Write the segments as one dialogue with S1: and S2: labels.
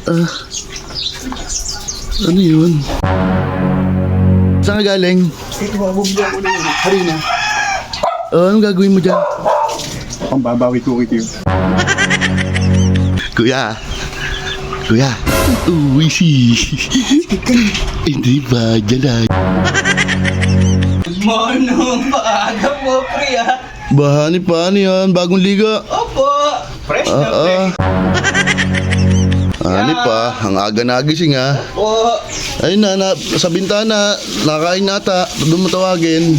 S1: Ano yun? Saan ka galing?
S2: Ito, bubili ako ng harina.
S1: Anong gagawin mo dyan?
S2: Pambabawi ko ito yun.
S1: Kuya! Kuya! Uy, hindi ba? Dyan lang.
S3: Manong paaga po, pre, ah.
S1: Bahani pa, ano yan? Bagong liga.
S3: Opo, fresh na fresh.
S1: Hani pa, ang aga nagising ha.
S3: Opo.
S1: Ayun na, sa bintana, nakain nata, doon mo tawagin.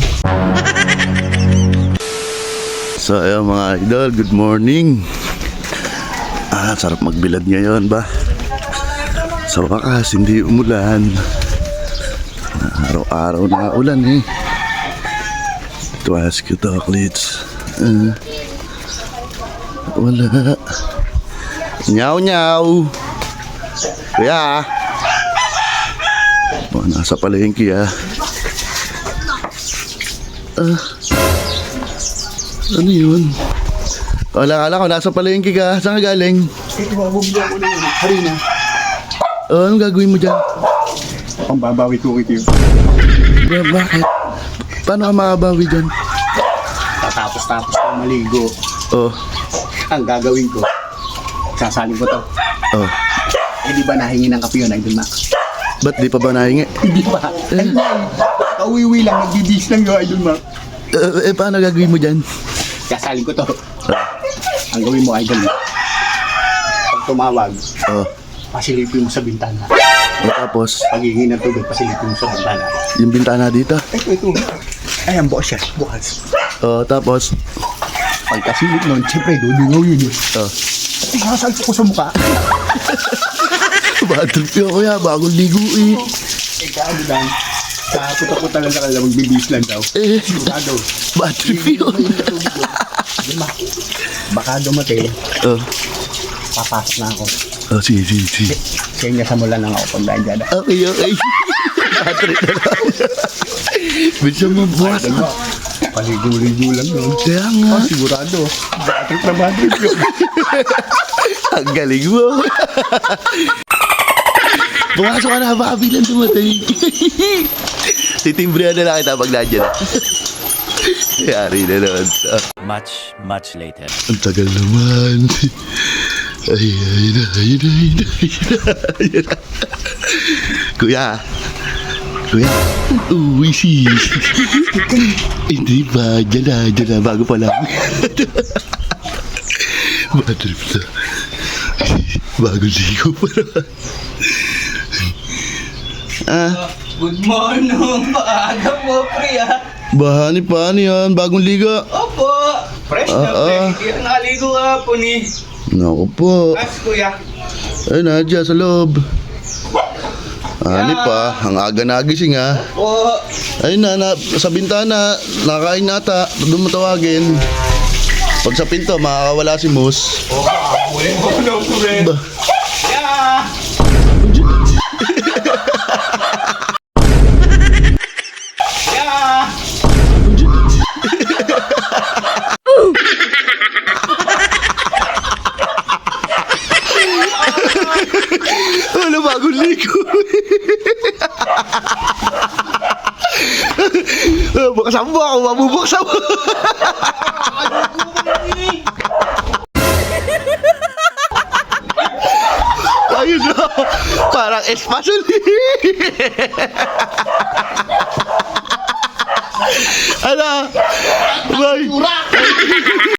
S1: So ayun mga idol, good morning. Sarap magbilad ngayon ba? Sa wakas, hindi umulan. Araw-araw na ulan eh. Twice chocolates. Wala. Nyaw nyaw. Kuya. Nasa palengke ano yun? Wala ko, nasa palengke ka. Saan ka galing?
S2: Ito, bubili ako ng harina.
S1: Anong gagawin mo dyan?
S2: Pambabawi ko ito yun.
S1: Bakit? Paano ka makabawi dyan?
S2: Tapos ko maligo. Ang gagawin ko, sasalin ko to. Di ba nahingi ng kape yun, Idol Mac?
S1: Ba't di pa ba nahingi?
S2: Hindi pa. Kauwiwi lang, nagbibis lang yun, Idol Mac.
S1: Paano gagawin mo dyan?
S2: Sasalin ko to. Ang gawin mo, Idol Mac, pag tumawag, pasilipin mo sa bintana.
S1: Tapos,
S2: Paghingi ng tubig, pasilipin mo sa bintana.
S1: yung bintana dito.
S2: Ito. Ayan, bukas siya. Bukas.
S1: Tapos,
S2: Pagkasilip nun, siyempre, dudungaw yun eh. Sasalpo ko sa mukha.
S1: bad trip yun kuya, bagong ligo eh.
S2: Ano lang, puta-puta lang sa kanila, magbibis lang daw. Sigurado.
S1: Bad trip yun.
S2: Baka dumating, papasok na ako.
S1: Sige.
S2: Kaya sa mula lang ako pag dyan.
S1: Okay. Bad trip na lang. Bisa mo bukas.
S2: Paligo-ligo lang yun.
S1: Kaya nga.
S2: Sigurado. Bad trip yun.
S1: Ang galing mo. Pumasok ka na, baka bilang dumating. Titimbrihan na lang kita pag nandiyan. Yari na naman.
S4: Much later.
S1: Ang tagal naman. Ayun na. Kuya. Uy, hindi ba? Dyan na, bago pa lang. Bad trip na. Bago ligo pa naman.
S3: Good morning, paaga po, pre, ah.
S1: Bahani pa, ano yan? Bagong liga.
S3: Opo, fresh na fresh. Kaya naligo ka po ni.
S1: Naku po.
S3: As, kuya.
S1: Ayun na, dyan sa loob. Hani pa, ang aga nagising ha.
S3: Opo.
S1: Ayun na, sa bintana, nakain nata, doon mo tawagin. Pag sa pinto, makakawala si Moose.
S3: Huli mo na po, pre. Yeah.
S1: Wala, bagong ligo. Buksan mo ako, mabubuksan mo. Ayun na, parang espasyon. Ano? Bye.